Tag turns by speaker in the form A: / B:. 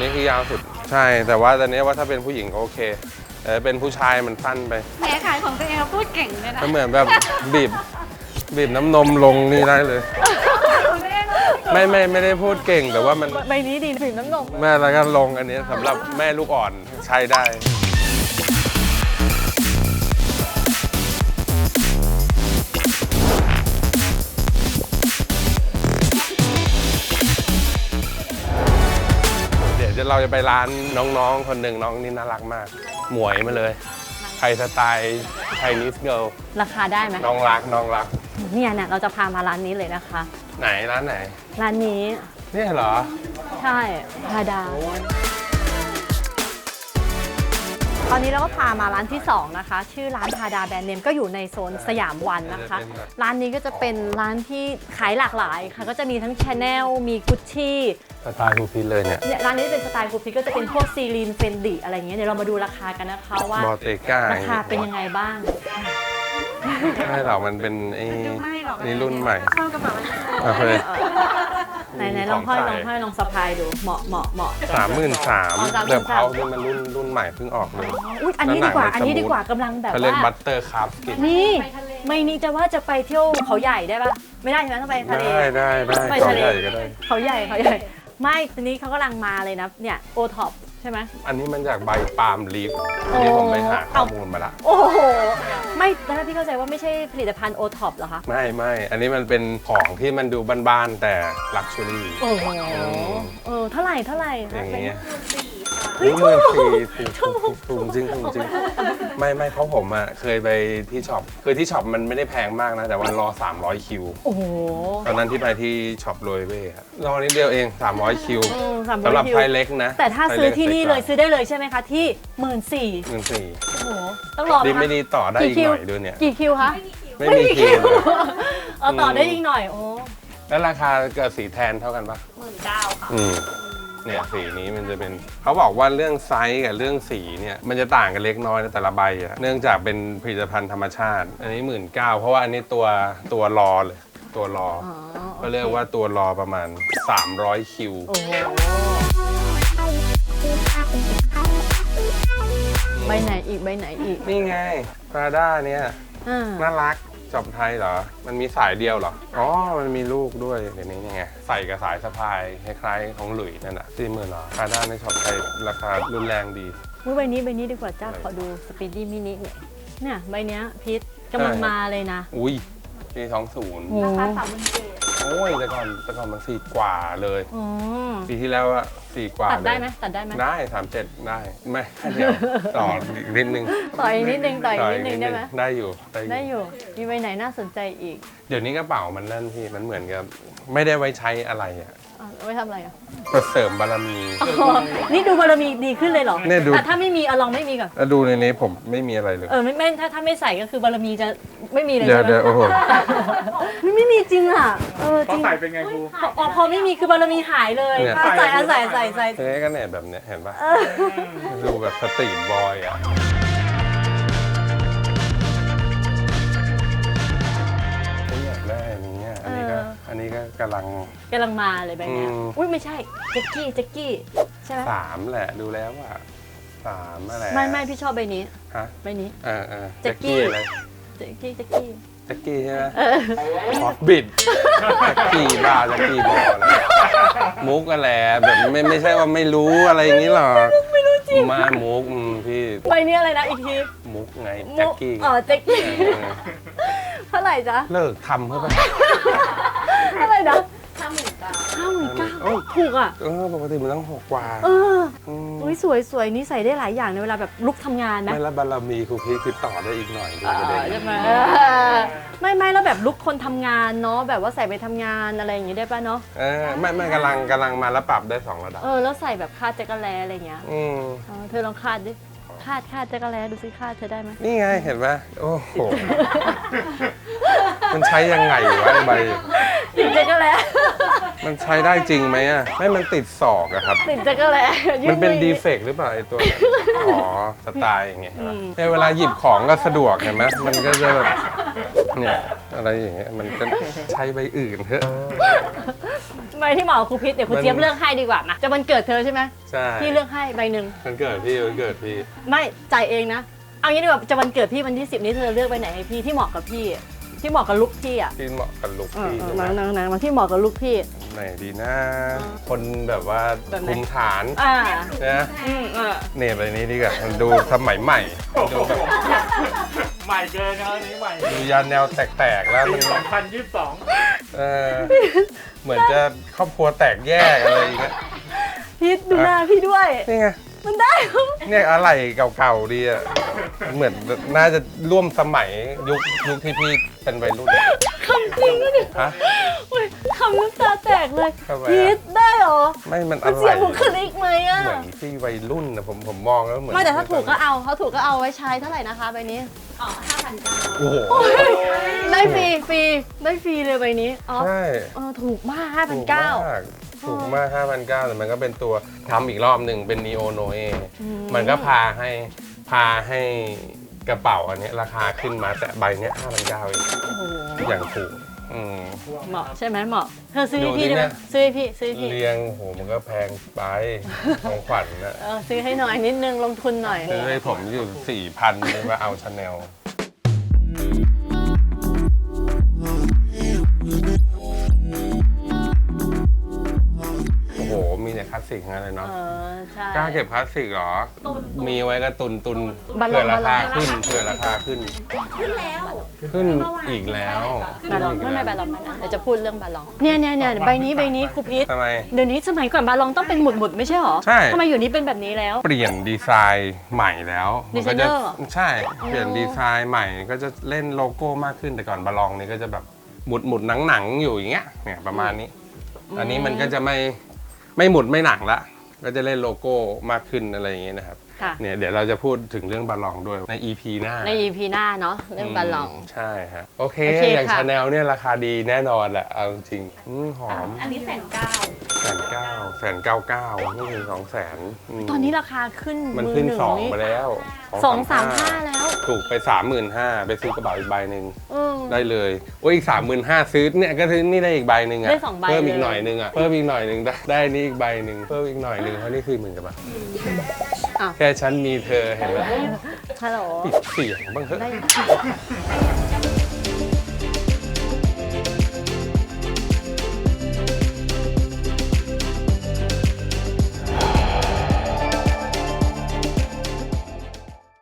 A: นี้คือยาวสุดใช่แต่ว่าตอนนี้ว่าถ้าเป็นผู้หญิงก็โอเคแต่เป็นผู้ชายมันสั้นไป
B: แหมขายของตัวเองพูดเก่งเลยนะ
A: ก็เหมือนแบบบีบน้ำนมลงนี่ได้เลยไม่ได้พูดเก่งแต่ว่ามัน
B: ใบนี้ดีบีบน้ำนม
A: แม่แล้วก็ลงอันนี้สำหรับแม่ลูกอ่อนใช้ได้เราจะไปร้านน้องๆคนหนึ่งน้องนี่น่ารักมากหมวยมาเลยไทยสไตล์ไทยนิสเกิล
B: ราคาได้ไหม
A: น้องรัก
B: เนี่ยเราจะพามาร้านนี้เลยนะคะ
A: ไหนร้านไหน
B: ร้านนี้
A: นี่เหรอ
B: ใช่พาดาตอนนี้เราก็พามาร้านที่2นะคะชื่อร้านพาดาแบรนด์เนมก็อยู่ในโซนสยามวันนะคะร้านนี้ก็จะเป็นร้านที่ขายหลากหลายค่ะก็จะมีทั้ง Chanel มี Gucci
A: สไตล์คูพิเลยเนี่ย
B: ร้านนี้เป็นสไตล์คูพิก็จะเป็นพวกซีรีนเฟนดิอะไรเงี้ยเดี๋ยวเรามาดูราคากันนะคะว่าราคาเป็นยังไงบ้าง
A: ไม่หรอกมันเป็นนี่รุ่นใหม่
B: เข้ากระเป๋าไหนลองห้อยลองสะพายดูเหมาะ
A: 33,000เดี๋ยวเขาเป็นมันรุ่นใหม่เพิ่งออกเลย
B: อุ้ยอันนี้ดีกว่ากำลังแบบว่า
A: เขาเรียกบัตเตอร์คัพกิน
B: นี่ไม่นี่จะว่าจะไปเที่ยวเขาใหญ่ได้ปะไม่ได้ใช่ไหมต้องไปทะเล
A: ได้ไปทะเลก็ได้
B: เขาใหญ่ไม่ทีนี้เขากำลังมาเลยนะเนี่ยโอท็อปใช่ไหม
A: อันนี้มันจากใบปาล์มลีฟที่ผมไปหาข้อมูลมาละ
B: โอ้โหไม่ตอนแรกพี่เข้าใจว่าไม่ใช่ผลิตภัณฑ์โอท็อปเหรอคะ
A: ไม่อันนี้มันเป็นของที่มันดูบ้านๆแต่ลักชัวรี่
B: โอ้โหเท่าไหร่
A: อย่างเงี้ยถูกจริงไม่เพราะผมอ่ะเคยไปที่ช็อปคือที่ช็อปมันไม่ได้แพงมากนะแต่วันรอ300คิว
B: โอ้โห
A: ตอนนั้นที่ไปที่ช็อปโรยเว่รอนิดเดียวเอง300คิวสำหรับไพเล็กนะ
B: แต่ถ้าซื้อที่นี่เลยซื้อได้เลยใช่ไหมคะที่14,000โอ้โหต้องรอ
A: ดีไม่ดีต่อได้อีกหน่อยด้วยเนี่ย
B: กี่คิวคะ
A: ไม่มีคิว
B: ต่อได้อีกหน่อยโอ้
A: แล้วราคากับสีแทนเท่ากันปะ
B: 19,000ค่ะ
A: เนี่ยสีนี้มันจะเป็นเขาบอกว่าเรื่องไซส์กับเรื่องสีเนี่ยมันจะต่างกันเล็กน้อยในแต่ละใบอะเนื่องจากเป็นผลิตภัณฑ์ธรรมชาติอันนี้19,000เพราะว่าอันนี้ตัวรอเลยตัวรอก็เรียกว่าตัวรอประมาณ300คิว
B: ใบไหนอีก
A: นี่ไงปราด้าเนี่ยน่ารักจอบไทยเหรอมันมีสายเดียวเหรออ๋อมันมีลูกด้วยเดี๋ยวนี้ไงใส่กับสายสะพายคล้ายๆของหลุยนั่นน่ะ40,000เหรอปราด้าในช็อปไทยราคารุนแรงดี
B: ใบนี้ดีกว่าจ้าขอดูสปีดดี้มินิเนี่ยใบเนี้ยพีทกำลังมาเลยนะ
A: อุ้ยปี20
B: ราคา37,000
A: โอ้ยแต่ก่อนมัน4 กว่าเลยปีที่แล้วอะ4 กว่า
B: ตัดได้ไหม
A: ได้37ได้ไม่เดี๋ยวต่ออีกนิดนึง
B: ต่อยนิดนึงได้ไหม
A: ได้อยู่
B: มีใบไหนน่าสนใจอีก
A: เดี๋ยวนี้กระเป๋ามันนั่นพี่มันเหมือนกับไม่ได้ไว้ใช้อะไรอะ
B: ไว้ทำอะไรอ่ะ
A: เสริมบารมี
B: นี่ดูบารมีดีขึ้นเลยเหรอแต่ถ้าไม่มีลองไม่มีก่อน
A: ดูในนี้ผมไม่มีอะไรเลย
B: ไม่ถ้าไม่ใส่ก็คือบารมีจะไม่มีเลย
A: เดี๋ยวโอ้โห
B: ไม่มีจริงอ่ะ
C: จริงใส่เป็นไงครู
B: พอไม่มีคือบารมีหายเลยใส่
A: กันเนี่ยแบบเนี้ยเห็นปะดูแบบสตรีทบอยอ่ะอยากได้อันนี้ก็กำลัง
B: มาเลยแบบนี้อุ้ยไม่ใช่แจ็คกี้ใช่ไหม
A: 3แหละดูแล้วว่า3อะไร
B: ไม่พี่ชอบใบนี้ใบนี้
A: แจ็คกี้อะไร
B: แจ็คกี้
A: ใช่ไหมฮอตบิดแจ็คกี้บ้าแจ็คกี้บอลอะไรมุกอะไรแบบไม่ใช่ว่าไม่รู้อะไรอย่างนี้หรอก
B: ไม่รู้จริง
A: มามุกพี่
B: ใบนี้อะไรนะอีกที
A: มุกไงแจ็คกี้
B: แจ็คกี้เท่าไหร่จ๊ะ
A: เลิกทำเพื่อไป
B: เท่าไหร่นะ59,000ถูกอ่ะ
A: ปกติมันต้อง6 กว่า
B: อุ้ยสวยนี่ใส่ได้หลายอย่างในเวลาแบบลุกทำงานนะ
A: ไม่แล้วบารมีครูพีคือต่อได้อีกหน่อย
B: ใช่ไหมไม่แล้วแบบลุกคนทำงานเนาะแบบว่าใส่ไปทำงานอะไรอย่างงี้ได้ป่ะเนาะ
A: ไม่กำลังมาแล้วปรับได้2 ระดับ
B: แล้วใส่แบบคาดแจ็คเก็ตแลอะไรเงี้ยเธอลองคาดดิคาดแจ็คเก็ตแลดูสิคาดเธอได้ไหม
A: นี่ไงเห็นไหมโอ้โหมันใช้ยังไงวะใบ
B: ติดแจ็คเก็ตแล
A: มันใช้ได้จริงไหมอ่ะไม่มันติดศอกอะครับ
B: ติดแจ็คเก็ตแล
A: มันเป็นดีเฟกต์หรือเปล่าไอตัวสไตล์อย่างเงี้ยเวลาหยิบของก็สะดวกเห็นไหมมันก็จะแบบเนี่ยอะไรอย่างเงี้ยมันก็ใช้ใบอื่นเถอะ
B: ใบที่เหมาะกับครูพิษเดี๋ยวครูเจี๊ยบเลือกให้ดีกว่านะจะวันเกิดเธอใช่ไหม
A: ใช่
B: พี่เลือกให้ใบหนึ่ง
A: มันเกิดพี่มันเกิดพี่
B: ไม่จ่ายเองนะเอางี้ดีกว่าจะวันเกิดพี่วันที่ 10นี้เธอเลือกใบไหนให้พี่ที่เหมาะกับพี่ที่เหมาะกับลุคพี่อ่ะ
A: ที่เหมาะกับลุคพี่ใช่ไหม
B: นางมาที่เหมาะกับลุคพี่
A: ไหนดีนะ คนแบบว่า
B: แบบไหน
A: คุมฐาน
B: อ่า
A: นะ เนี่ยไปนี้ดีกว่ามันดูสมัยใหม่ดูแบบ
C: ใหม่เกินครับอันนี้ใหม่
A: ดูยานแนวแตกๆแล้วมัน
C: 2022
A: เออเหมือนจะครอบครัวแตกแยกอะไรอย่างเงี้ย
B: พี่ดูหน้าพี่ด้วย
A: นี่ไง
B: มันได้
A: เนี่ยอะไรเก่าๆดีอ่ะเหมือนน่าจะร่วมสมัยยุคที่พี่เป็นวัยรุ่น
B: คำจริงนะเนี่ย
A: ฮะ
B: อุ๊ยคำน้ำตาแตกเลย
A: ทำไมอะ
B: พีทได้เหรอ
A: ไม่มัน
B: มั
A: อะ
B: น
A: ไร
B: เสียบุคลิกไหมอ่ะ
A: เหมือนพี่วัยรุ่นนะผมมองแล้วเหมือน
B: ไม่แต่ถ้าถูกก็เอาเขาถูกก็เอาไว้ใช้เท่าไหร่นะคะใบนี้อ๋อ
A: โอ้โห
B: 5,900ได้ฟรีได้ฟรีเลยใบนี้อ๋อ
A: ใช่
B: ถูกมาก
A: ถูก
B: 5,900
A: มากถูกมาก 5,900 แต่มันก็เป็นตัวทำอีกรอบหนึ่งเป็น Neo Noe มันก็พาให้กระเป๋าอันเนี้ยราคาขึ้นมาแต่ใบเนี้ย 5,900 เอง
B: โอ้โห
A: อย่างถูก
B: เหมาะใช่ไหมเหมาะเธอซื้อให้
A: ดู
B: พี่
A: ดิ
B: ได้ไหม
A: เนี่ย
B: ซื้อให้พี่ซื้อให้พี่
A: เรียงโอ้โหมันก็แพงไป ของขวัญนะ
B: ซื้อให้หน่อยนิดนึงลงทุนหน่อย
A: ซื้อให้ผมอยู่ 4,000เลยมาเอาชาแนลโอ้โห มีแต่คลาสสิกทั้งนั้นเลยเนาะ
B: ใช่
A: กล้าเก็บคลาสสิกเหรอ มีไว้ก็ตุน
B: บาล
A: เผื่
B: อ
A: อง ราคา
B: บาลอง
A: ขึ้นเผื่อราคาขึ้น ขึ้นอีกแล้ว
B: บาลองไม่บาลองเดี๋ยวจะพูดเรื่องบาลองเนี่ยใบนี้ครูพิษ
A: ทำไม
B: เดี๋ยวนี้สมัยก่อนบาลองต้องเป็นหมุดไม่ใช่หรอ
A: ใช่
B: ทำไมอยู่นี้เป็นแบบนี้แล้ว
A: เปลี่ยนดีไซน์ใหม่แล้วมัก็จะ
B: ดีไซเนอร์เหรอ
A: ใช่ เปลี่ยนดีไซน์ใหม่ก็จะเล่นโลโก้มากขึ้นแต่ก่อนบาลองนี่ก็จะแบบหมุดหนังอยู่อย่างเงี้ยเนี่ยประมาณนี้ อันนี้มันก็จะไม่หมุดไม่หนังละก็จะเล่นโลโก้มากขึ้นอะไรอย่างเงี้ยนะครับ
B: ค่ะ
A: เนี่ยเดี๋ยวเราจะพูดถึงเรื่องบาลองด้วยใน EP หน้า
B: ใน EP หน้าเนาะเรื่องบาลอง
A: ใช่ฮะโอเค
B: โอเค
A: อย่าง
B: ค่ะ
A: ชาแนลเนี่ยราคาดีแน่นอนแหละเอาจริงหอม
B: อันนี้1,900
A: 1,999ไม่ถึง200,000
B: ตอนนี้ราคาขึ้น
A: มันขึ้น
B: มือห
A: สอง
B: นี่
A: ไปแล้ว
B: 235แล้ว
A: ถูกไป 35,000ไปซื้อกระเป๋าอีกใบหนึ่ง
B: อืม
A: ได้เลยโอ้ยอีก 35,000ซื้อเนี่ยก็ซื้อนี่ได้อีกใบหนึ่งอะ
B: ได้สองใบ
A: เพิ่มอี
B: เล
A: ก
B: ย
A: หน่อยหนึงอะเพิ่มอีกหน่อยหนึงได้นี่อีกใบหนึ่งเพิ่มอีกหน่อยหนึงเพราะนี่คือ10,000กว่าบาท
B: อ้าว
A: แค่ฉันมีเธอเห็นไหม
B: ฮัลโหล
A: ปิดเสียงบ้างเถอะ
B: ได้